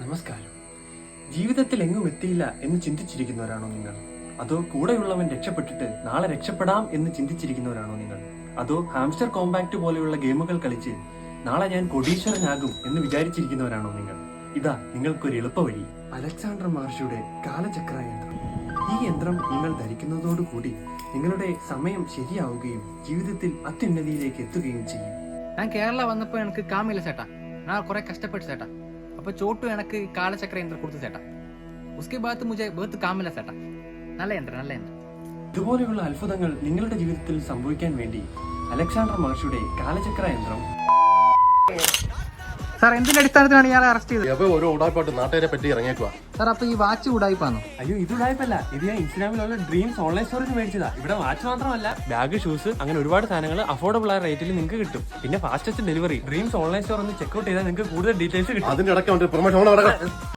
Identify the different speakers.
Speaker 1: നമസ്കാരം. ജീവിതത്തിൽ എങ്ങും എത്തിയില്ല എന്ന് ചിന്തിച്ചിരിക്കുന്നവരാണോ നിങ്ങൾ? അതോ കൂടെയുള്ളവൻ രക്ഷപ്പെട്ടിട്ട് നാളെ രക്ഷപ്പെടാം എന്ന് ചിന്തിച്ചിരിക്കുന്നവരാണോ നിങ്ങൾ? അതോ ഹാംസ്റ്റർ കോമ്പാക്ട് പോലെയുള്ള ഗെയിമുകൾ കളിച്ച് നാളെ ഞാൻ കോടീശ്വരനാകും എന്ന് വിചാരിച്ചിരിക്കുന്നവരാണോ നിങ്ങൾ? ഇതാ നിങ്ങൾക്കൊരു എളുപ്പവഴി. അലക്സാണ്ടർ മഹർഷിയുടെ കാലചക്ര യന്ത്രം. ഈ യന്ത്രം നിങ്ങൾ ധരിക്കുന്നതോടുകൂടി നിങ്ങളുടെ സമയം ശരിയാവുകയും ജീവിതത്തിൽ അത്യുന്നതിയിലേക്ക് എത്തുകയും ചെയ്യും.
Speaker 2: ഞാൻ കേരള വന്നപ്പോ എനിക്ക് കാമില്ല ചേട്ടാ, ഞാൻ കുറെ കഷ്ടപ്പെട്ടു ചേട്ടാ. അപ്പൊ ചോട്ടു എനിക്ക് കാലചക്ര യന്ത്രം കൊടുത്തു ചേട്ടാ. ഉസ്കെ ബാത്ത് മുझे बहुत काम मिला ചേട്ടാ. നല്ല യന്ത്രം.
Speaker 1: ഇതുപോലെയുള്ള അത്ഭുതങ്ങൾ നിങ്ങളുടെ ജീവിതത്തിൽ സംഭവിക്കാൻ വേണ്ടി അലക്സാണ്ടർ മഹർഷിയുടെ കാലചക്ര യന്ത്രം.
Speaker 2: സാർ എന്തിന്റെ അടിസ്ഥാനത്തിലാണ് ഇയാളെ അറസ്റ്റ് ചെയ്തത്?
Speaker 3: ഓരോ ഉടായ്പാട്ട് നാട്ടുകാരെ പറ്റി ഇറങ്ങിയേക്കുക.
Speaker 2: സാർ അപ്പൊ ഈ വാച്ച് ഉടായിപ്പാണോ?
Speaker 1: അയ്യോ, ഇത് ഉടായ്പല്ല. ഇത് ഞാൻ ഇൻസ്റ്റാഗ്രാമിലുള്ള ഡ്രീംസ് ഓൺലൈൻ സ്റ്റോറിൽ മേടിച്ചതാ. ഇവിടെ വാച്ച് മാത്രമല്ല, ബാഗ്, ഷൂസ്, അങ്ങനെ ഒരുപാട് സാധനങ്ങൾ അഫോർഡബിൾ ആയ റേറ്റിൽ നിങ്ങൾക്ക് കിട്ടും. പിന്നെ fastest delivery. Dreams online store ഒന്ന് ചെക്ക്ഔട്ട് ചെയ്താൽ നിങ്ങൾക്ക് കൂടുതൽ ഡീറ്റെയിൽസ് കിട്ടും.
Speaker 3: അതിന്റെ ഇടയ്ക്ക് പ്രൊമോഷൻ